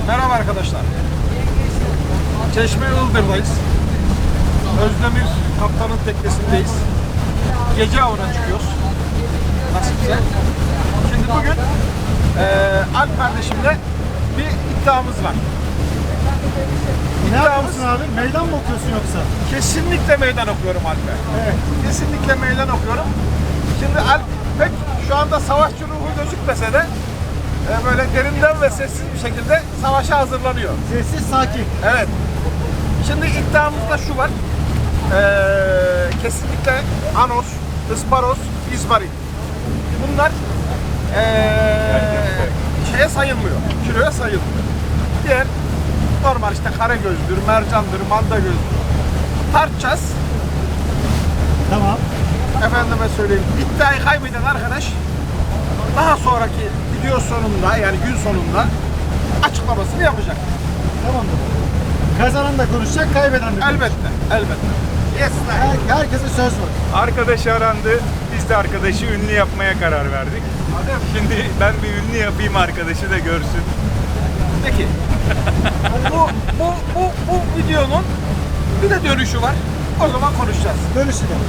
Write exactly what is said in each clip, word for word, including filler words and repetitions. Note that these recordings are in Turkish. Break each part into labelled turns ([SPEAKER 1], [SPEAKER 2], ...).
[SPEAKER 1] Merhaba arkadaşlar. Çeşme Ildır'dayız. Özdemir Kaptan'ın teknesindeyiz. Gece avına çıkıyoruz. Nasipse. Şimdi bugün e, Alp kardeşimle bir iddiamız var.
[SPEAKER 2] Ne yapıyorsun abi? Meydan mı okuyorsun yoksa?
[SPEAKER 1] Kesinlikle meydan okuyorum Alp'e.
[SPEAKER 2] Evet.
[SPEAKER 1] Kesinlikle meydan okuyorum. Şimdi Alp pek şu anda savaşçı ruhu gözükmese de e, böyle derinden ve sessiz bir şekilde savaşa hazırlanıyor.
[SPEAKER 2] Sessiz, sakin.
[SPEAKER 1] Evet. Şimdi iddiamızda şu var. Ee, kesinlikle anos, ısparoz, izmarit. Bunlar ee, şeye sayılmıyor, kiloya sayılmıyor. Diğer normal işte karagözdür, mercandır, mandagözdür. Tartacağız.
[SPEAKER 2] Tamam.
[SPEAKER 1] Efendime söyleyeyim, iddiayı kaybeden arkadaş daha sonraki video sonunda, yani gün sonunda açıklamasını yapacak.
[SPEAKER 2] Tamamdır. Kazanan da konuşacak, kaybeden de konuşacak.
[SPEAKER 1] Elbette, elbette. Yes,
[SPEAKER 2] Her, herkese söz var.
[SPEAKER 3] Arkadaş arandı. Biz de arkadaşı ünlü yapmaya karar verdik. Şimdi ben bir ünlü yapayım, arkadaşı da görsün.
[SPEAKER 1] Peki. bu, bu, bu, bu videonun bir de dönüşü var. O zaman konuşacağız.
[SPEAKER 2] Dönüşü de.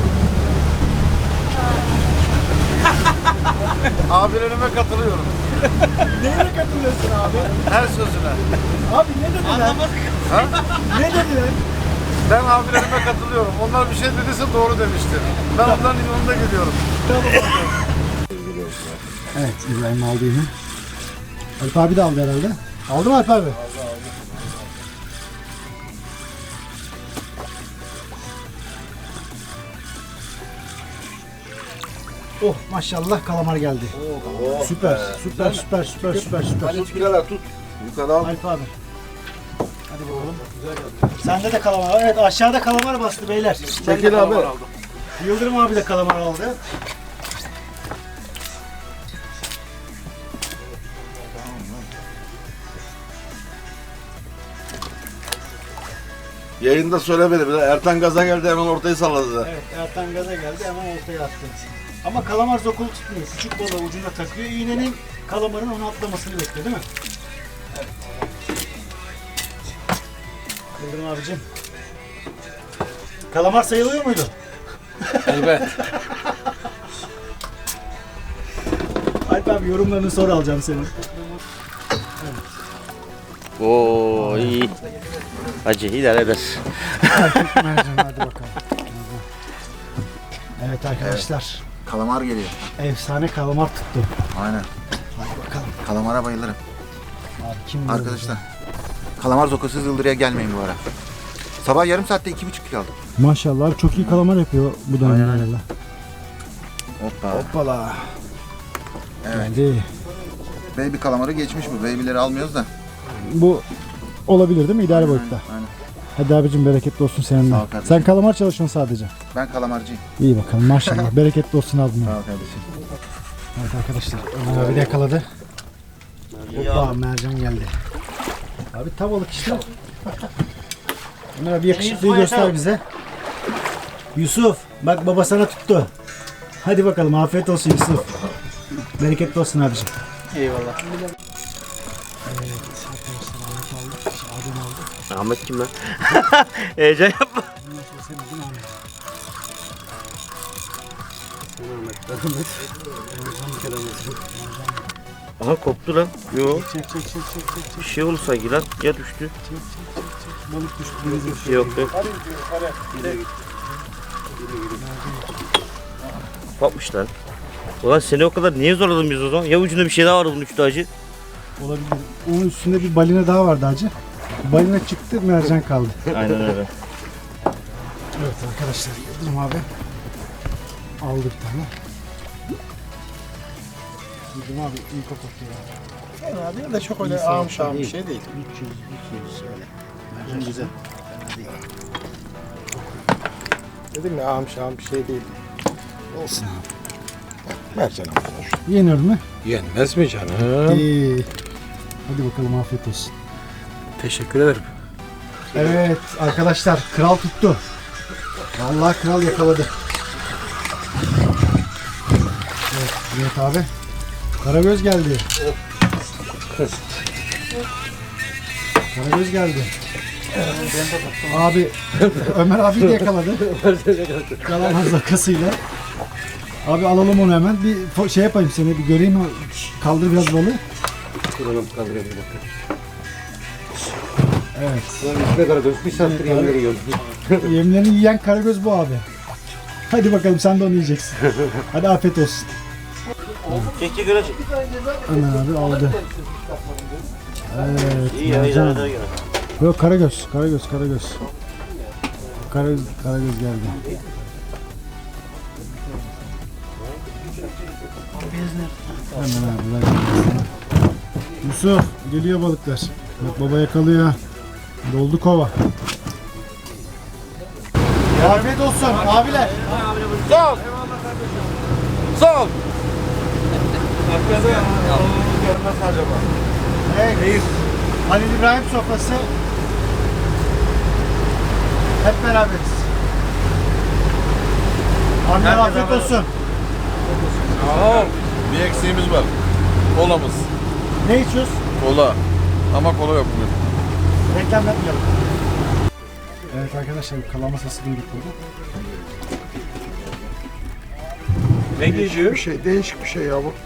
[SPEAKER 4] Abilerime katılıyorum.
[SPEAKER 2] Neyine katılıyorsun abi?
[SPEAKER 4] Her sözüne.
[SPEAKER 2] Abi ne dediler?
[SPEAKER 4] Ha?
[SPEAKER 2] Ne dediler?
[SPEAKER 4] Ben abilerime katılıyorum. Onlar bir şey dediyse doğru demiştir. Ben onların yolunda gidiyorum.
[SPEAKER 2] Evet, İbrahim aldı yine. Alp abi de aldı herhalde. Aldı mı Alp abi? Aldı, aldı. Oh maşallah kalamar geldi.
[SPEAKER 4] Oh,
[SPEAKER 2] süper, süper, süper, süper, süper, süper.
[SPEAKER 4] Hadi birader tut. Yukarı al.
[SPEAKER 2] Alp abi. Hadi bakalım. Sende de kalamar var. Evet aşağıda kalamar bastı beyler.
[SPEAKER 4] Çekil abi.
[SPEAKER 2] Yıldırım abi de kalamar aldı.
[SPEAKER 4] Yayında söylemedi bile. Ertan gaza geldi, hemen ortayı salladı.
[SPEAKER 2] Evet Ertan gaza geldi hemen ortaya attı. Ama kalamar zokulu tutmuyor. Küçük balığı ucunda takıyor. İğnenin kalamarın onu atlamasını bekliyor değil mi? Evet. Yıldırım abicim. Kalamar sayılıyor muydu?
[SPEAKER 4] Evet.
[SPEAKER 2] Alp abi yorumlarını sonra alacağım senin.
[SPEAKER 5] Oo iyi. Acı idare eder.
[SPEAKER 2] Mercan hadi bakalım. Evet arkadaşlar.
[SPEAKER 4] Kalamar geliyor.
[SPEAKER 2] Efsane kalamar tuttu.
[SPEAKER 4] Aynen.
[SPEAKER 2] Hadi bakalım.
[SPEAKER 4] Kalamara bayılırım.
[SPEAKER 2] Abi kim bilir
[SPEAKER 4] Arkadaşlar. Kalamar zokasız Yıldırı'ya gelmeyin bu ara. Sabah yarım saatte iki buçuk kilo aldım.
[SPEAKER 2] bunu? Maşallah abi çok iyi kalamar yapıyor bu dönemde.
[SPEAKER 4] Hoppa.
[SPEAKER 2] Hoppala.
[SPEAKER 4] Evet.
[SPEAKER 2] Geldi.
[SPEAKER 4] Baby kalamarı geçmiş bu. Baby'leri almıyoruz da.
[SPEAKER 2] Bu olabilir değil mi? İdare boyutta.
[SPEAKER 4] Aynen.
[SPEAKER 2] Hadi abicim bereketli olsun seninle.
[SPEAKER 4] Sağ ol kardeşim.
[SPEAKER 2] Sen kalamar çalışıyorsun sadece.
[SPEAKER 4] Ben kalamarcıyım.
[SPEAKER 2] İyi bakalım maşallah. bereketli olsun abim.
[SPEAKER 4] Sağ ol kardeşim.
[SPEAKER 2] Evet arkadaşlar. Ömer abi de yakaladı. Hoppa mercan geldi. Abi tavalık işte. Ömer abi yakışıklıyı göster bize. Yusuf bak baba sana tuttu. Hadi bakalım afiyet olsun Yusuf. Bereketli olsun abicim.
[SPEAKER 5] Eyvallah.
[SPEAKER 2] Evet arkadaşlar Ahmet aldık. Adem aldı.
[SPEAKER 5] Ahmet kim lan? Heyecan yapma.
[SPEAKER 2] Bundan sonra sen aldın Ahmet.
[SPEAKER 5] Aha koptu lan. Yo.
[SPEAKER 2] Çek çek çek çek çek. çek.
[SPEAKER 5] Bir şey oldu sanki lan. Ya düştü.
[SPEAKER 2] Çek çek çek çek. Balık düştü denize.
[SPEAKER 5] Bir şey yok yok. Kopmuş lan. Ulan seni o kadar niye zorladın biz o zaman? Ya ucunda bir şey daha vardı bunun üstü acı.
[SPEAKER 2] Olabilir. Onun üstünde bir balina daha vardı hacı. Balina çıktı, mercan kaldı.
[SPEAKER 5] Aynen öyle.
[SPEAKER 2] Evet arkadaşlar, Yıldırım abi aldı bir tane. Yıldırım abi iyi kapatıyor.
[SPEAKER 1] Ya değil de çok öyle ağım şağım bir şey değil.
[SPEAKER 2] üç yüz, iki yüz öyle. Mercan güzel. Fena değil.
[SPEAKER 1] Dedim ya ağım şağım bir şey değil.
[SPEAKER 2] Olsun abi.
[SPEAKER 1] Mercan ama.
[SPEAKER 2] Yenir mi?
[SPEAKER 1] Yenmez mi canım?
[SPEAKER 2] İyi. Hadi bakalım afiyet olsun.
[SPEAKER 1] Teşekkür ederim.
[SPEAKER 2] Evet arkadaşlar kral tuttu. Vallahi kral yakaladı. Evet, evet abi. Karagöz geldi. Karagöz geldi. Abi Ömer abi de yakaladı. Yalan zakasıyla. Abi alalım onu hemen. Bir fo- şey yapayım seni bir göreyim. Kaldır biraz balığı.
[SPEAKER 6] Kuralım kaldıralım bir dakika.
[SPEAKER 2] Evet.
[SPEAKER 6] Ulan üstüne karagöz bir saattir yemleri yiyoruz.
[SPEAKER 2] Yemlerini yiyen karagöz bu abi. Hadi bakalım sen de onu yiyeceksin. Hadi afiyet olsun.
[SPEAKER 5] Çek çek öyle çek.
[SPEAKER 2] Ömer abi aldı. Evet.
[SPEAKER 5] İyi ya,
[SPEAKER 2] mercan.
[SPEAKER 5] idare eder gene.
[SPEAKER 2] Yok karagöz, karagöz, karagöz. Karagöz, karagöz geldi. Hemen abi ver sana. Yusuf geliyor balıklar. Bak baba yakalıyor. Doldu kova. Afiyet olsun abiler.
[SPEAKER 4] Sağ ol. Sağ ol. Görmez acaba?
[SPEAKER 2] Evet. Halil İbrahim sofrası. Hep beraberiz. Abiler afiyet olsun.
[SPEAKER 4] Sağ ol. Bir eksiğimiz var. Kolamız.
[SPEAKER 2] Ne içiyoruz?
[SPEAKER 4] Kola. Ama kola yok bugün.
[SPEAKER 2] Reklam yapmayalım. Evet arkadaşlar kalama sesi duyduk burada.
[SPEAKER 3] Ne geliyor?
[SPEAKER 4] Bir şey, değişik bir şey ya bu.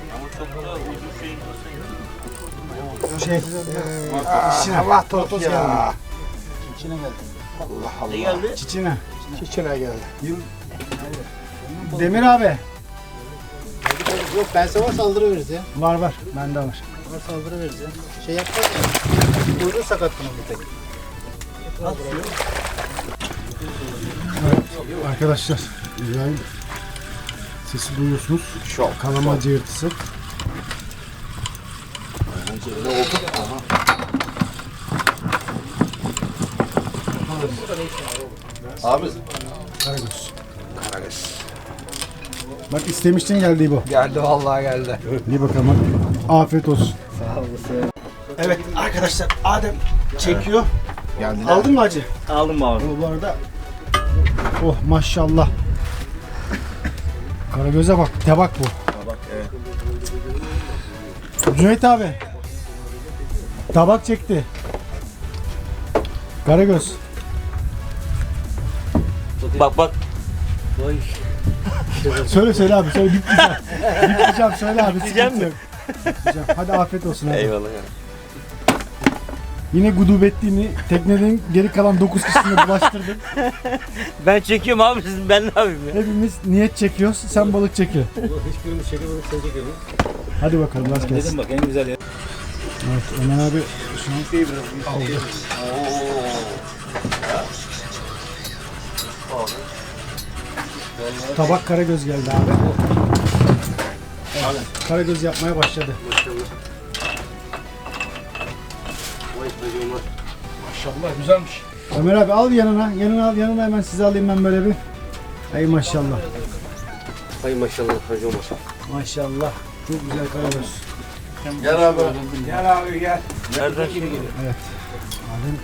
[SPEAKER 2] Şey, içine. Allah totos ya. İçine geldi.
[SPEAKER 5] Ne geldi?
[SPEAKER 2] Çiçine.
[SPEAKER 4] Çiçine geldi.
[SPEAKER 2] Demir abi.
[SPEAKER 7] Yok ben sana saldırıveririz ya.
[SPEAKER 2] Var var. Bende var.
[SPEAKER 7] Var saldırıveririz ya. Şey yapacağız ya. Kuyruğu sakat bunun bir tek.
[SPEAKER 2] Arkadaşlar İbrahim sesi duyuyorsunuz.
[SPEAKER 4] Şok.
[SPEAKER 2] Kalama cığırtısı.
[SPEAKER 4] Abi.
[SPEAKER 2] Karagöz.
[SPEAKER 4] Karagöz.
[SPEAKER 2] Bak istemiştin geldi bu.
[SPEAKER 4] Geldi vallahi geldi.
[SPEAKER 2] İyi bakalım hadi. Afiyet olsun. Sağ olasın. Evet arkadaşlar Adem çekiyor.
[SPEAKER 4] Geldi.
[SPEAKER 2] Aldın mı acı?
[SPEAKER 5] Aldım abi.
[SPEAKER 2] Bu arada oh maşallah. Karagöz'e bak, tabak bu.
[SPEAKER 4] Bak evet.
[SPEAKER 2] Cüneyt abi. Tabak çekti. Karagöz.
[SPEAKER 5] Bak bak.
[SPEAKER 2] Söyle söyle abi, söyle bitleyeceğim. Bitleyeceğim söyle abi.
[SPEAKER 5] Bitleyeceğim
[SPEAKER 2] sıkıntı
[SPEAKER 5] mi?
[SPEAKER 2] yok. Bitleyeceğim. Hadi afiyet olsun abi.
[SPEAKER 5] Eyvallah ya.
[SPEAKER 2] Yine gudubetliğini teknenin geri kalan dokuz kişisine bulaştırdın.
[SPEAKER 5] Ben çekiyorum abi siz ben ne yapayım ya?
[SPEAKER 2] Hepimiz niyet çekiyoruz, sen balık çekiyor.
[SPEAKER 6] Hiçbirimiz şeker balık sen çekiyoruz.
[SPEAKER 2] Hadi bakalım rast gelsin.
[SPEAKER 6] Dedim bak en güzel yer.
[SPEAKER 2] Evet Ömer abi şu an aldı. Tabak Karagöz geldi abi. Evet, Karagöz yapmaya başladı.
[SPEAKER 4] Maşallah güzelmiş.
[SPEAKER 2] Ömer abi al yanına, yanına al, yanına hemen sizi alayım ben böyle bir. Ay maşallah.
[SPEAKER 6] Hay maşallah hacı maşallah.
[SPEAKER 2] Maşallah. Çok güzel Karagöz.
[SPEAKER 4] Gel abi. Gel abi gel.
[SPEAKER 5] Nereden şimdi?
[SPEAKER 2] Evet. Adem.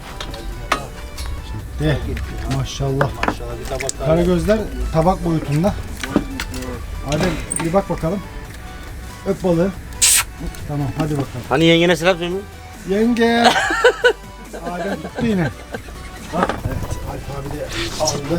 [SPEAKER 2] De maşallah. Karagözler tabak boyutunda. Adem bir bak bakalım. Öp balığı. Tamam hadi bakalım.
[SPEAKER 5] Hani yengene selam söylüyor.
[SPEAKER 2] Yenge. Adem tuttu yine. Bak evet Alp abi de aldı.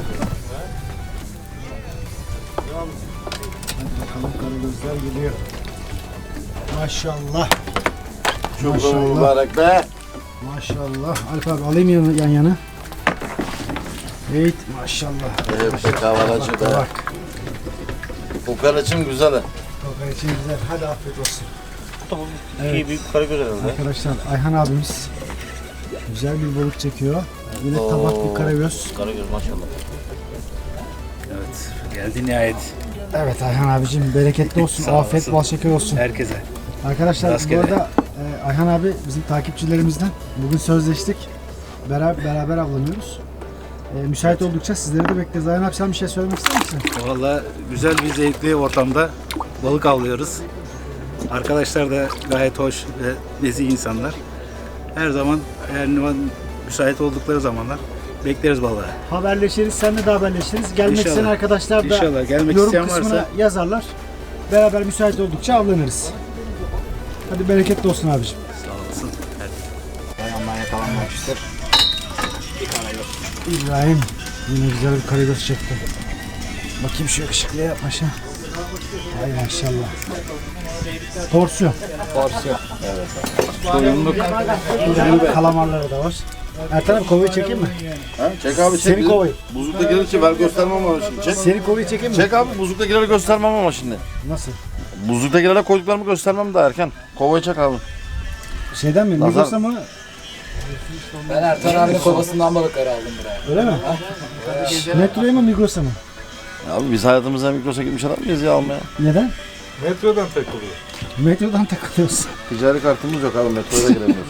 [SPEAKER 2] Hadi bakalım karagözler geliyor. Maşallah.
[SPEAKER 4] Çok
[SPEAKER 2] Maşallah.
[SPEAKER 4] mübarek be.
[SPEAKER 2] Maşallah. Alp abi alayım yan, yan yana. Evet maşallah.
[SPEAKER 4] Evet be kavalacı be.
[SPEAKER 2] Bak.
[SPEAKER 4] Kokoreçin güzeli.
[SPEAKER 2] Kokar için güzel. Hadi afiyet olsun.
[SPEAKER 5] Evet. İyi büyük karagöz herhalde.
[SPEAKER 2] Arkadaşlar Ayhan abimiz güzel bir balık çekiyor. Yine tabak bir karagöz.
[SPEAKER 5] Karagöz maşallah.
[SPEAKER 8] Evet, geldi nihayet
[SPEAKER 2] Evet Ayhan abicim bereketli olsun.
[SPEAKER 8] Sağ
[SPEAKER 2] Afiyet
[SPEAKER 8] olasın.
[SPEAKER 2] bol şeker olsun.
[SPEAKER 8] herkese.
[SPEAKER 2] Arkadaşlar
[SPEAKER 8] Rastgele.
[SPEAKER 2] bu arada e, Ayhan abi bizim takipçilerimizden. Bugün sözleştik. Beraber, beraber avlanıyoruz. E, müsait oldukça sizleri de bekleriz. Ayhan abi sen bir şey söylemek ister misin?
[SPEAKER 8] Valla güzel bir zevkli ortamda balık avlıyoruz. Arkadaşlar da gayet hoş ve nezih insanlar. Her zaman her zaman müsait oldukları zamanlar bekleriz balığı.
[SPEAKER 2] Haberleşiriz, seninle de haberleşiriz. Gelmek
[SPEAKER 8] İnşallah.
[SPEAKER 2] isteyen arkadaşlar da
[SPEAKER 8] İnşallah. Gelmek
[SPEAKER 2] yorum
[SPEAKER 8] isteyen
[SPEAKER 2] kısmına
[SPEAKER 8] varsa-
[SPEAKER 2] yazarlar. Beraber müsait oldukça avlanırız. Hadi bereketli olsun abicim.
[SPEAKER 8] Sağ olasın.
[SPEAKER 2] Yandan yakalanmamıştır. Bir karagöz. İbrahim yine güzel bir karagöz çekti. Bakayım şu yakışıklıya yapmışa. Ay maşallah. Torsiyon.
[SPEAKER 7] Porsiyon.
[SPEAKER 2] Soyunluk. İbrahim kalamarları da var. Ertan abi kovayı çekeyim mi?
[SPEAKER 4] Ha? Çek abi çek.
[SPEAKER 2] Seni kovayı.
[SPEAKER 4] Buzlukta gelince ben göstermem ama şimdi. Çek.
[SPEAKER 2] Seni kovayı çekeyim mi?
[SPEAKER 4] Çek abi buzluktakileri göstermem ama şimdi.
[SPEAKER 2] Nasıl?
[SPEAKER 4] Buzluktakilere koyduklarımı göstermem daha erken. Kovayı çek abi.
[SPEAKER 2] Şeyden mi?
[SPEAKER 4] Nazar.
[SPEAKER 2] Migros'ta mı?
[SPEAKER 7] Ben Ertan abinin kovasından balıkları aldım buraya.
[SPEAKER 2] Öyle mi? Metroya mı Migros'a mı?
[SPEAKER 4] Abi biz hayatımızda Migros'a gitmiş adam mıyız ya almaya?
[SPEAKER 2] Neden?
[SPEAKER 3] Metrodan takılıyor.
[SPEAKER 2] Metrodan takılıyoruz.
[SPEAKER 4] Ticari kartımız yok abi metroya da giremiyoruz.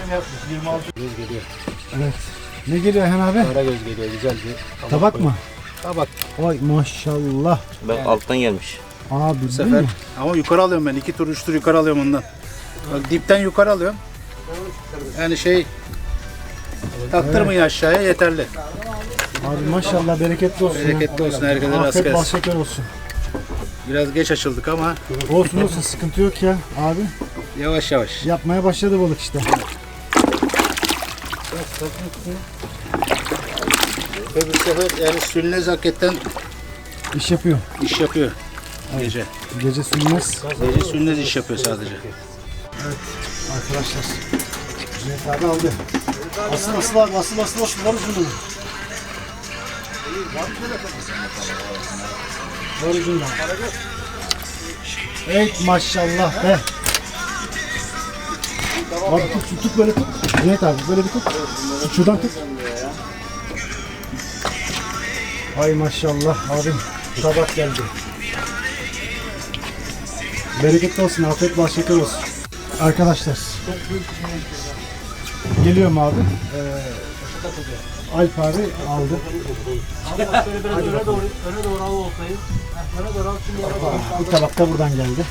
[SPEAKER 2] Evet. Ne geliyor Ayhan abi?
[SPEAKER 7] Karagöz geliyor güzel bir.
[SPEAKER 2] Tabak mı?
[SPEAKER 7] Tabak.
[SPEAKER 2] Vay maşallah.
[SPEAKER 5] Bak alttan gelmiş.
[SPEAKER 2] Abi
[SPEAKER 8] Bu
[SPEAKER 2] değil
[SPEAKER 8] sefer
[SPEAKER 2] mi?
[SPEAKER 8] ama yukarı alıyorum ben. iki tur üç tur yukarı alıyorum ondan. Bak dipten yukarı alıyorum. Yani şey taktırmayın aşağıya yeterli.
[SPEAKER 2] Abi maşallah bereketli olsun. ya.
[SPEAKER 8] Bereketli olsun herkese rast
[SPEAKER 2] Afiyet bal
[SPEAKER 8] gelsin.
[SPEAKER 2] şeker olsun.
[SPEAKER 8] Biraz geç açıldık ama
[SPEAKER 2] Olsun olsun sıkıntı yok ya abi.
[SPEAKER 8] yavaş yavaş.
[SPEAKER 2] Yapmaya başladı balık işte.
[SPEAKER 8] Ve bu sefer yani sülnez hakikaten
[SPEAKER 2] İş yapıyor.
[SPEAKER 8] iş yapıyor. Gece.
[SPEAKER 2] Gece sürmez.
[SPEAKER 8] Gece sülnez iş yapıyor sadece.
[SPEAKER 2] Arkadaşlar. Cüneyt abi aldı. Asıl asıl abi asıl asıl asıl var ucunda. Var ucunda. Evet maşallah be. Abi tut, tut, tut böyle tut. Cüneyt abi böyle bir tut. Tut şuradan tut. Ay maşallah abim. Tabak geldi. Bereketli olsun, afiyet bal şeker olsun. Arkadaşlar. Geliyorum abi. Ee, Alp abi aldı.
[SPEAKER 7] Öne doğru, öne doğru al oltayı. Öne doğru al şimdi yere doğru.
[SPEAKER 2] Bu tabak da buradan geldi.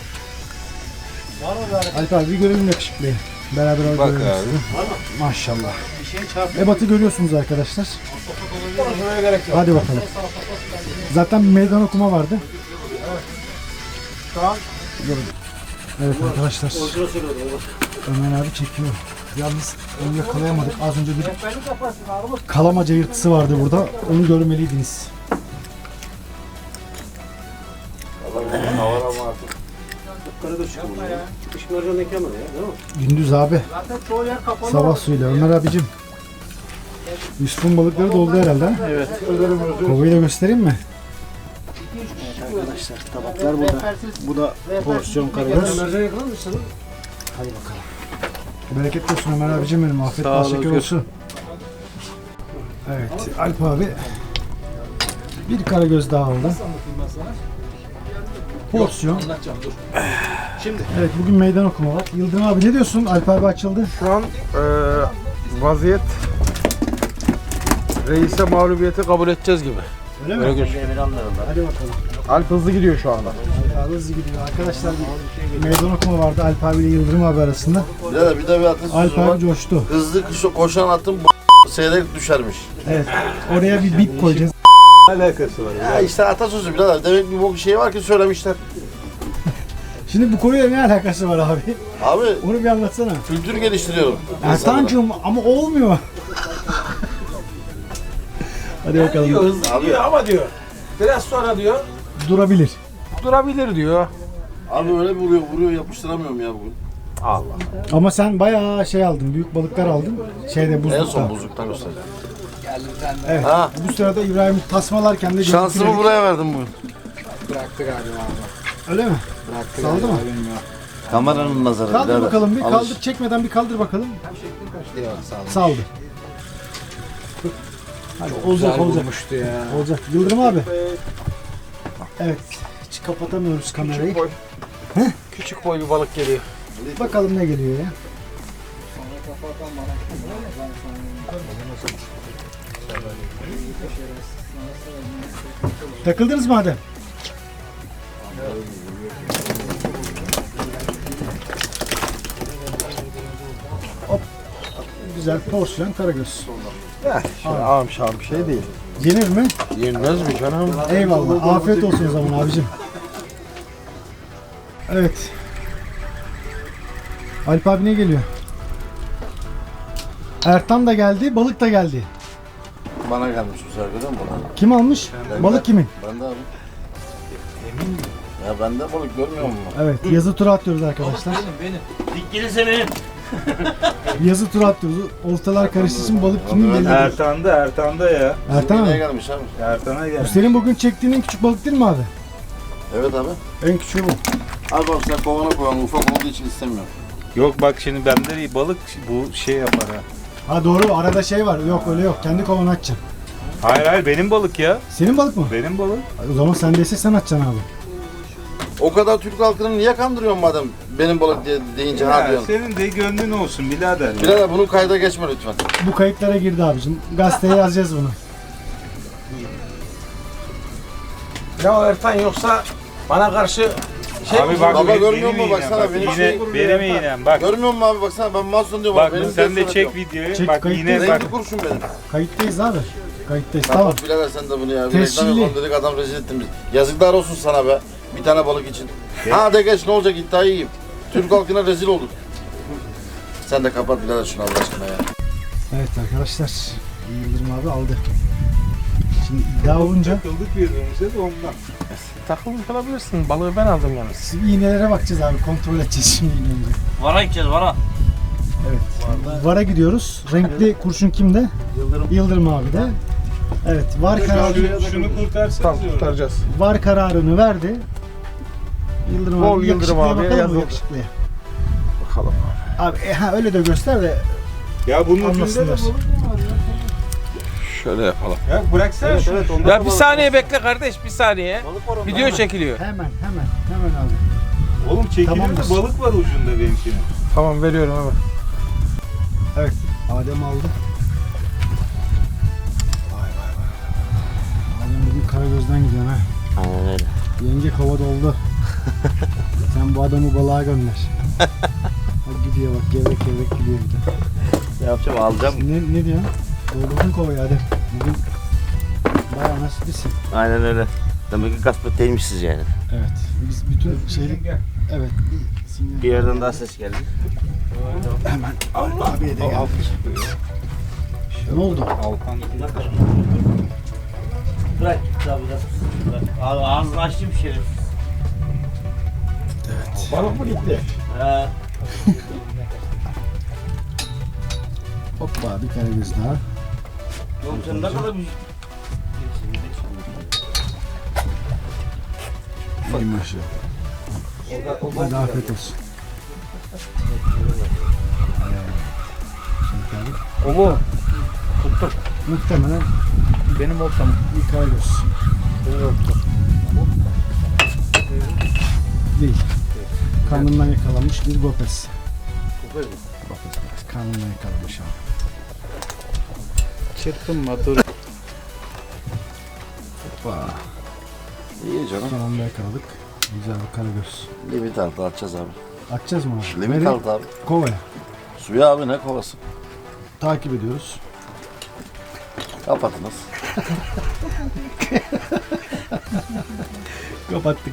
[SPEAKER 2] Alp abi bir görelim yakışıklıyı. Beraber görelim sizi. Maşallah. Ebat'ı görüyorsunuz arkadaşlar. Hadi bakalım. Zaten bir meydan okuma vardı. Evet arkadaşlar. Ömer abi çekiyor. Yalnız onu yakalayamadık. Az önce bir kalamaca yırtısı vardı burada. Onu görmeliydiniz. Gündüz abi. Sabah suyuyla. Ömer abicim. Yusuf'un balıkları doldu herhalde. ha?
[SPEAKER 4] Evet.
[SPEAKER 2] Kovayı da göstereyim mi? Arkadaşlar tabaklar burada. Bu da porsiyon karagöz. Hadi bakalım. Bereketli olsun Ömer abicim benim. Afiyet bal şeker olsun. Evet Alp abi bir karagöz daha aldı. Porsiyon.
[SPEAKER 7] Şimdi.
[SPEAKER 2] Evet bugün meydan okuma var. Yıldırım abi ne diyorsun? Alp abi açıldı.
[SPEAKER 1] Şu an e, vaziyet reise mağlubiyeti kabul edeceğiz gibi.
[SPEAKER 2] Öyle mi? Hadi bakalım.
[SPEAKER 1] Alp hızlı gidiyor şu anda.
[SPEAKER 2] Alp abi hızlı gidiyor. Arkadaşlar bir meydan okuma vardı Alp abi ile Yıldırım abi arasında.
[SPEAKER 4] Birader bir de bir atasözü
[SPEAKER 2] Alp
[SPEAKER 4] var.
[SPEAKER 2] abi coştu.
[SPEAKER 4] Hızlı koş- koşan atın b- seyrek düşermiş.
[SPEAKER 2] Evet. Oraya bir bip koyacağız.
[SPEAKER 4] Ya işte atasözü birader. Demek bir bok şey var ki söylemişler.
[SPEAKER 2] Şimdi bu konuyla ne alakası var abi?
[SPEAKER 4] Abi
[SPEAKER 2] Onu bir anlatsana.
[SPEAKER 4] kültür geliştiriyorum.
[SPEAKER 2] Ertan'cığım ama olmuyor. Hadi bakalım.
[SPEAKER 1] Hızlı gidiyor ama diyor. Biraz sonra diyor
[SPEAKER 2] Durabilir.
[SPEAKER 1] durabilir diyor.
[SPEAKER 4] Abi öyle bir vuruyor, vuruyor yapıştıramıyorum ya bugün.
[SPEAKER 2] Ama sen bayağı şey aldın. Büyük balıklar aldın. Şeyde
[SPEAKER 4] En
[SPEAKER 2] buzlukta.
[SPEAKER 4] son buzluktan göstereceğim.
[SPEAKER 2] Evet.
[SPEAKER 4] Ha.
[SPEAKER 2] Bu sırada İbrahim tasmalarken de
[SPEAKER 4] Şansımı
[SPEAKER 2] görüntüledik.
[SPEAKER 4] buraya verdim bugün.
[SPEAKER 7] Bıraktı galiba abi.
[SPEAKER 2] Öyle mi?
[SPEAKER 7] Bıraktı
[SPEAKER 2] Saldı
[SPEAKER 7] galiba,
[SPEAKER 2] mı?
[SPEAKER 7] bilmiyorum.
[SPEAKER 4] Kameranın nazarı
[SPEAKER 2] Kaldır
[SPEAKER 4] birader.
[SPEAKER 2] bakalım bir.
[SPEAKER 4] Alış.
[SPEAKER 2] Kaldır çekmeden bir kaldır bakalım.
[SPEAKER 7] Yok sağ ol.
[SPEAKER 2] Saldı. Hadi olacak
[SPEAKER 7] Güzel
[SPEAKER 2] olacak.
[SPEAKER 7] vurmuştu ya.
[SPEAKER 2] Olacak. Yıldırım abi. Evet. Hiç kapatamıyoruz kamerayı.
[SPEAKER 1] Boy. Küçük boy bir balık geliyor.
[SPEAKER 2] Bakalım ne geliyor ya. Takıldınız mı Adem? Hop. Güzel porsiyon karagöz.
[SPEAKER 1] Ağam şahım bir şey değil.
[SPEAKER 2] Yenir mi?
[SPEAKER 1] Yenmez mi canım?
[SPEAKER 2] Eyvallah. Afiyet olsun o zaman abicim. Evet. Alp abi ne geliyor? Ertan da geldi, balık da geldi.
[SPEAKER 4] Bana gelmiş bu sefer görüyor musun?
[SPEAKER 2] Kim almış? Balık kimin?
[SPEAKER 4] Ben de abi. Emin miyim? Ya ben de balık görmüyor musun?
[SPEAKER 2] Evet, yazı turu atıyoruz arkadaşlar.
[SPEAKER 5] Dik gelirse benim.
[SPEAKER 2] Yazı turu atıyoruz. Oltalar karıştığı için balık kimin belli değil.
[SPEAKER 3] Ertan'da, Ertan'da ya.
[SPEAKER 2] Ertan
[SPEAKER 4] Neye
[SPEAKER 2] abi,
[SPEAKER 4] gelmiş abi?
[SPEAKER 3] Ertan'a
[SPEAKER 2] bu
[SPEAKER 3] gel.
[SPEAKER 2] senin bugün çektiğin en küçük balık değil mi abi?
[SPEAKER 4] Evet abi.
[SPEAKER 2] En küçüğü bu.
[SPEAKER 4] Abi bak sen kovana koyan ufak olduğu için istemiyorum.
[SPEAKER 3] Yok bak şimdi bende balık bu şey yapar ha.
[SPEAKER 2] Ha doğru, arada şey var. Yok öyle yok. Kendi kovanı açacaksın.
[SPEAKER 3] Hayır hayır benim balık ya.
[SPEAKER 2] Senin balık mı?
[SPEAKER 3] Benim balık.
[SPEAKER 2] O zaman sendeyse sen açacaksın abi.
[SPEAKER 4] O kadar Türk halkını niye kandırıyorsun madem benim balık diye deyince ha
[SPEAKER 3] Ya,
[SPEAKER 4] diyorsun.
[SPEAKER 3] senin de gönlün olsun birader. ya.
[SPEAKER 4] Birader bunu kayda geçme lütfen.
[SPEAKER 2] Bu kayıtlara girdi abicim. Gazeteye yazacağız bunu.
[SPEAKER 1] Ya Ertan yoksa bana karşı şey
[SPEAKER 3] Abi
[SPEAKER 1] mi?
[SPEAKER 3] bak
[SPEAKER 4] Baba
[SPEAKER 3] benim-
[SPEAKER 4] görmüyor
[SPEAKER 3] benim
[SPEAKER 4] musun?
[SPEAKER 3] iğnem,
[SPEAKER 4] Baksana
[SPEAKER 3] bak,
[SPEAKER 4] benim
[SPEAKER 3] iğne-
[SPEAKER 4] şeyi vuruyor
[SPEAKER 3] benim
[SPEAKER 4] Ertan.
[SPEAKER 3] iğnem bak.
[SPEAKER 4] Görmüyor musun abi baksana ben Mahsun diyorum
[SPEAKER 3] Bak
[SPEAKER 4] abi. Benim
[SPEAKER 3] sen de
[SPEAKER 4] cesaret
[SPEAKER 3] çek
[SPEAKER 4] yok.
[SPEAKER 3] videoyu.
[SPEAKER 2] Çek,
[SPEAKER 3] bak
[SPEAKER 2] kayıt
[SPEAKER 3] yine
[SPEAKER 2] değil.
[SPEAKER 3] bak.
[SPEAKER 4] Renkli kurşun benim.
[SPEAKER 2] Kayıttayız abi. Kayıttayız. Tamam.
[SPEAKER 4] Kapat birader sen de bunu ya. Bir
[SPEAKER 2] Tescilli.
[SPEAKER 4] reklam yapalım dedik adam rezil ettin bizi. Yazıklar olsun sana be. Bir tane balık için. Ha de geç ne olacak iddiayı yiyeyim. Türk halkına rezil olduk. Sen de kapat birader şunu Allah aşkına ya.
[SPEAKER 2] Evet arkadaşlar. Yıldırım abi aldı. Şimdi iddia olunca
[SPEAKER 3] Takıldık birbirimize de ondan.
[SPEAKER 1] Takılmış olabilirsin. Balığı ben aldım yalnız.
[SPEAKER 2] siz iğnelere bakacağız abi. Kontrol edeceğiz şimdi iğneleri.
[SPEAKER 5] Vara gideceğiz vara.
[SPEAKER 2] Evet. Var'a gidiyoruz. Renkli kurşun kimde? Yıldırım. Yıldırım abi de. Evet. Var kararı,
[SPEAKER 3] Şunu kurtarsanız
[SPEAKER 1] Tamam
[SPEAKER 3] diyorum.
[SPEAKER 1] kurtaracağız.
[SPEAKER 2] var kararını verdi. Yıldırım
[SPEAKER 1] Bol
[SPEAKER 2] abi
[SPEAKER 1] Yıldırım
[SPEAKER 2] yakışıklıya
[SPEAKER 1] abiye
[SPEAKER 2] bakalım mı
[SPEAKER 1] yazalım.
[SPEAKER 2] yakışıklıya?
[SPEAKER 1] Bakalım.
[SPEAKER 2] Abi e, ha, öyle de göster de
[SPEAKER 3] Ya bunun ucunda da
[SPEAKER 2] anlasınlar.
[SPEAKER 3] balık mı var ya?
[SPEAKER 1] Şöyle yapalım.
[SPEAKER 3] Ya bıraksana şunu.
[SPEAKER 1] Ya bir saniye bekle kardeş bir saniye. Video çekiliyor.
[SPEAKER 2] Hemen hemen hemen abi.
[SPEAKER 3] Oğlum çekilir
[SPEAKER 2] Tamamdır.
[SPEAKER 3] balık var ucunda benimkinin.
[SPEAKER 1] Tamam veriyorum hemen.
[SPEAKER 2] Evet. Adem aldı. Vay vay vay. Adem bugün Karagöz'den gidiyorsun ha.
[SPEAKER 5] Aynen öyle.
[SPEAKER 2] Yenge kova doldu. Sen bu adamı balığa gönder. Bak gidiyor bak gevrek gevrek gidiyor bir de.
[SPEAKER 5] Ne yapacağım alacağım.
[SPEAKER 2] Ne, ne diyorsun? Doldurdun kovayı Adem. Bugün bayağı nasiplisin.
[SPEAKER 5] Aynen öyle. Demek ki kasmet değilmişsiniz yani.
[SPEAKER 2] Evet. Biz bütün şeylik... Evet. Bir sinyal.
[SPEAKER 5] Bir yerden daha ses geldi.
[SPEAKER 2] Hemen abiye de geldik. Ne oldu?
[SPEAKER 3] Altan
[SPEAKER 5] Bırak tabi bırak. Abi ağzını açtım şerif.
[SPEAKER 1] Balık mı gitti?
[SPEAKER 5] He.
[SPEAKER 2] Hoppa bir karagöz daha.
[SPEAKER 5] Oğlum sen ne kadar bir...
[SPEAKER 2] İyi maşallah. Hadi afiyet olsun. Şimdi abi.
[SPEAKER 1] O mu? Tuttum.
[SPEAKER 2] Muhtemelen
[SPEAKER 1] Benim oltam.
[SPEAKER 2] bir karagöz.
[SPEAKER 1] Benim oltam.
[SPEAKER 2] Değil. Karnından yakalanmış bir gopes.
[SPEAKER 5] Kopar mı?
[SPEAKER 2] Gopes, gopes. Karnından yakalanmış abi.
[SPEAKER 8] Çırpınma dur.
[SPEAKER 2] Hoppa.
[SPEAKER 4] İyi canım.
[SPEAKER 2] Son anda yakaladık. Güzel bir karagöz.
[SPEAKER 4] Limit altı atacağız abi.
[SPEAKER 2] Atacağız mı abi?
[SPEAKER 4] Limit
[SPEAKER 2] Nereye?
[SPEAKER 4] altı abi.
[SPEAKER 2] Kovaya.
[SPEAKER 4] Suya abi ne kovası?
[SPEAKER 2] Takip ediyoruz.
[SPEAKER 4] Kapatınız.
[SPEAKER 2] Kapattık.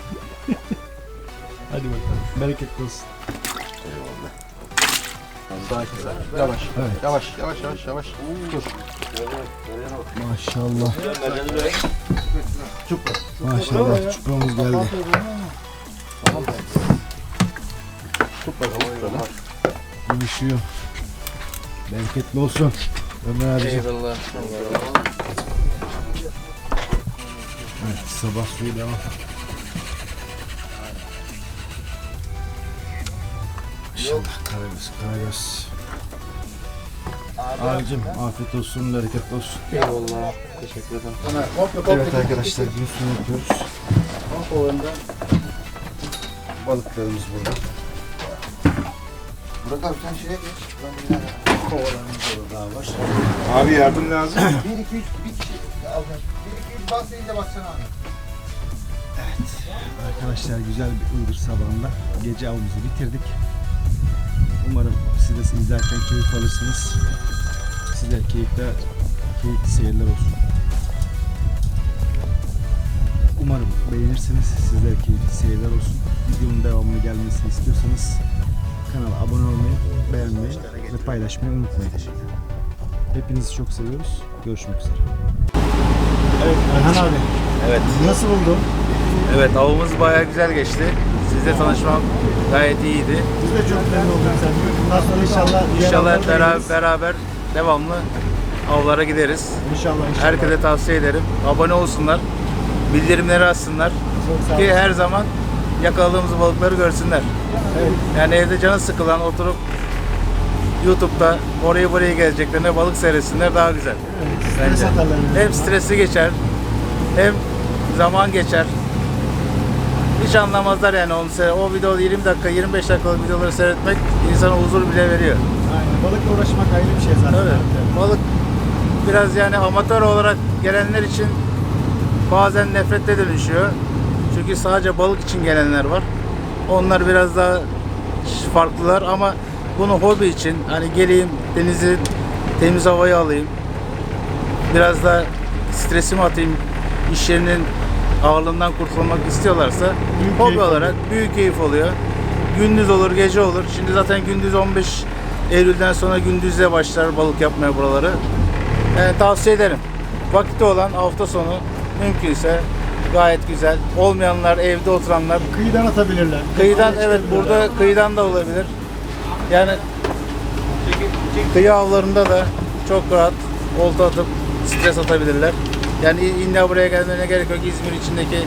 [SPEAKER 2] Hadi bakalım. Bereketli olsun.
[SPEAKER 1] Yavaş.
[SPEAKER 2] Evet.
[SPEAKER 1] Yavaş yavaş yavaş yavaş. Dur.
[SPEAKER 2] Maşallah. Maşallah. Çuprağımız geldi. Görüşüyor. Bereketli olsun. Ömer abiciğim.
[SPEAKER 1] Eyvallah.
[SPEAKER 2] Evet, sabah suyu devam. Maşallah karagöz, karagöz. Abicim afiyet olsun, bereketli olsun.
[SPEAKER 1] Eyvallah. Teşekkür ederim.
[SPEAKER 2] Evet arkadaşlar, gün sonu yapıyoruz. Balıklarımız burada.
[SPEAKER 4] Burak abi sen şeye geç.
[SPEAKER 2] Kovalarımız da daha var.
[SPEAKER 3] Abi yardım lazım.
[SPEAKER 4] bir iki üç bir kişi alacağım. bir iki üç bas deyince baksana abi.
[SPEAKER 2] Evet arkadaşlar, güzel bir Iğdır sabahında gece avımızı bitirdik. Umarım siz de izlerken keyif alırsınız. Size keyifli, keyifli seyirler olsun. Umarım beğenirsiniz. Sizlere keyifli seyirler olsun. Videonun devamını gelmesini istiyorsanız kanala abone olmayı, beğenmeyi ve paylaşmayı unutmayın. Hepinizi çok seviyoruz. Görüşmek üzere. Evet Erhan abi.
[SPEAKER 3] Evet.
[SPEAKER 2] Nasıl buldun?
[SPEAKER 3] Evet, avımız bayağı güzel geçti. Sizle tanışmam gayet iyiydi.
[SPEAKER 2] Biz de çok memnun olduk seninle. Bundan sonra inşallah diğer
[SPEAKER 3] İnşallah
[SPEAKER 2] avlara da
[SPEAKER 3] beraber,
[SPEAKER 2] gideriz.
[SPEAKER 3] beraber devamlı avlara gideriz.
[SPEAKER 2] İnşallah inşallah.
[SPEAKER 3] Herkese tavsiye ederim. Abone olsunlar. Bildirimleri açsınlar.
[SPEAKER 2] Çok sağ
[SPEAKER 3] Ki
[SPEAKER 2] olun.
[SPEAKER 3] her zaman yakaladığımız balıkları görsünler.
[SPEAKER 2] Evet.
[SPEAKER 3] Yani evde canı sıkılan oturup YouTube'da orayı burayı gezeceklerine balık seyretsinler daha güzel.
[SPEAKER 2] Stres
[SPEAKER 3] Bence.
[SPEAKER 2] atarlar en
[SPEAKER 3] Hem
[SPEAKER 2] azından.
[SPEAKER 3] stresi geçer, hem zaman geçer. Hiç anlamazlar yani onu seyre- o video yirmi dakika, yirmi beş dakikalık videoları seyretmek insana huzur bile veriyor.
[SPEAKER 2] Aynen. Balıkla uğraşmak ayrı bir şey zaten.
[SPEAKER 3] Tabii. Balık biraz yani amatör olarak gelenler için bazen nefrete dönüşüyor. Çünkü sadece balık için gelenler var. Onlar biraz daha farklılar ama bunu hobi için hani geleyim denizi temiz havayı alayım. Biraz da stresimi atayım. İş yerinin ağırlığından kurtulmak istiyorlarsa
[SPEAKER 2] Büyük
[SPEAKER 3] hobi
[SPEAKER 2] keyif
[SPEAKER 3] olarak büyük keyif oluyor. Gündüz olur, gece olur. Şimdi zaten gündüz on beş Eylül'den sonra gündüzle başlar balık yapmaya buraları. Yani tavsiye ederim. Vakti olan hafta sonu mümkünse gayet güzel. Olmayanlar, evde oturanlar
[SPEAKER 2] Kıyıdan atabilirler.
[SPEAKER 3] kıyıdan
[SPEAKER 2] Tekneye
[SPEAKER 3] evet
[SPEAKER 2] çıkabilirler.
[SPEAKER 3] burada kıyıdan da olabilir. Yani kıyı avlarında da çok rahat olta atıp stres atabilirler. Yani illa buraya gelmene gerek yok. İzmir içindeki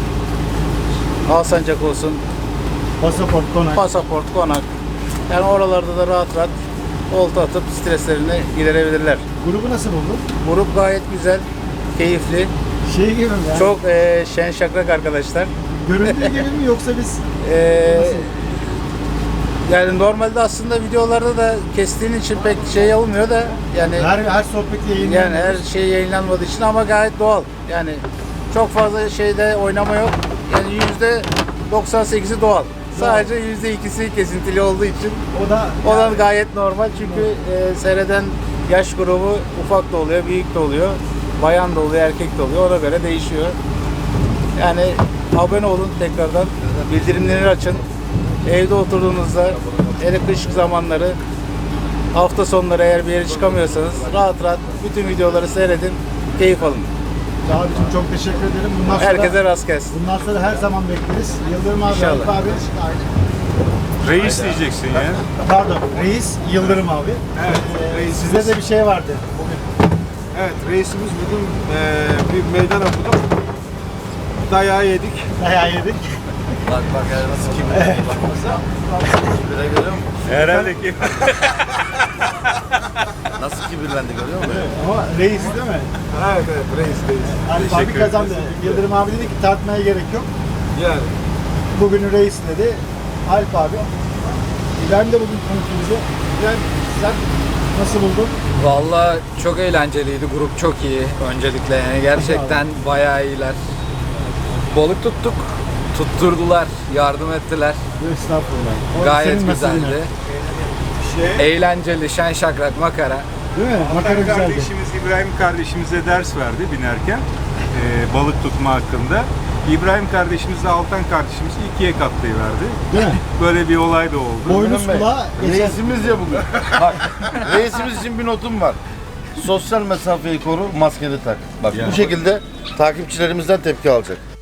[SPEAKER 3] Alsancak olsun,
[SPEAKER 2] Pasaport, konak.
[SPEAKER 3] pasaport, konak. Yani oralarda da rahat rahat olta atıp streslerini giderebilirler.
[SPEAKER 2] Grubu nasıl buldun?
[SPEAKER 3] Grup gayet güzel, keyifli.
[SPEAKER 2] Şey gibi mi yani?
[SPEAKER 3] Çok eee şen şakrak arkadaşlar.
[SPEAKER 2] Göründüğü gibi mi yoksa biz
[SPEAKER 3] Eee,
[SPEAKER 2] nasıl?
[SPEAKER 3] yani normalde aslında videolarda da kestiğin için pek şey olmuyor da yani
[SPEAKER 2] Her, her sohbeti yayınlıyoruz.
[SPEAKER 3] yani her şey yayınlanmadığı için ama gayet doğal. Yani çok fazla şeyde oynama yok. Yani yüzde doksan sekizi doğal. Sadece yüzde ikisi kesintili olduğu için
[SPEAKER 2] O da
[SPEAKER 3] o da gayet normal çünkü e, seyreden yaş grubu ufak da oluyor, büyük de oluyor, bayan da oluyor, erkek de oluyor. Ona göre değişiyor. Yani abone olun tekrardan, bildirimleri açın. Evde oturduğunuzda, hele kış zamanları, hafta sonları eğer bir yere çıkamıyorsanız rahat rahat bütün videoları seyredin, keyif alın.
[SPEAKER 2] abicim çok teşekkür ederim. Bundan sonra,
[SPEAKER 3] Herkese rast gelsin.
[SPEAKER 2] bundan sonra her zaman bekleriz. Yıldırım abi,
[SPEAKER 3] İnşallah.
[SPEAKER 2] Alp abi.
[SPEAKER 3] Reis diyeceksin ya.
[SPEAKER 2] Pardon, Reis Yıldırım abi.
[SPEAKER 1] Evet,
[SPEAKER 2] Ee,
[SPEAKER 1] reisimiz.
[SPEAKER 2] Sizde de bir şey vardı.
[SPEAKER 1] Evet, reisimiz bugün eee, bir meydan okuduk. Dayağı yedik.
[SPEAKER 2] Dayağı yedik.
[SPEAKER 4] Bak bak yani nasıl kibirlendi bak. Kibire görüyor musun?
[SPEAKER 3] Herhalde ki.
[SPEAKER 4] Nasıl kibirlendi görüyor musun?
[SPEAKER 2] Ama reis değil mi?
[SPEAKER 1] Evet, evet, reis, reis.
[SPEAKER 2] Alp abi kazandı. Yıldırım abi dedi ki tartmaya gerek yok.
[SPEAKER 1] Yani.
[SPEAKER 2] Bugünün reis dedi. Alp abi. İbrahim de bugün konuştu bize. İbrahim sen nasıl buldun?
[SPEAKER 9] Vallahi çok eğlenceliydi. Grup çok iyi. Öncelikle yani gerçekten bayağı iyiler. Balık tuttuk. Tutturdular. Yardım ettiler.
[SPEAKER 2] Estağfurullah. O
[SPEAKER 9] Gayet
[SPEAKER 2] senin nasibin
[SPEAKER 9] güzeldi.
[SPEAKER 1] Şey,
[SPEAKER 9] Eğlenceli, şen şakrak, makara.
[SPEAKER 2] Değil mi? Makara
[SPEAKER 3] Altan
[SPEAKER 2] güzeldi.
[SPEAKER 3] kardeşimiz, İbrahim kardeşimize ders verdi binerken e, balık tutma hakkında. İbrahim kardeşimizle Altan kardeşimiz ikiye katlayıverdi.
[SPEAKER 2] Değil mi?
[SPEAKER 3] Böyle bir olay da oldu.
[SPEAKER 2] Boynuz kulağı geçen.
[SPEAKER 4] Reisimiz ya bugün. Bak, reisimiz için bir notum var. Sosyal mesafeyi koru, maskeni tak. Bak bu şekilde takipçilerimizden tepki alacak.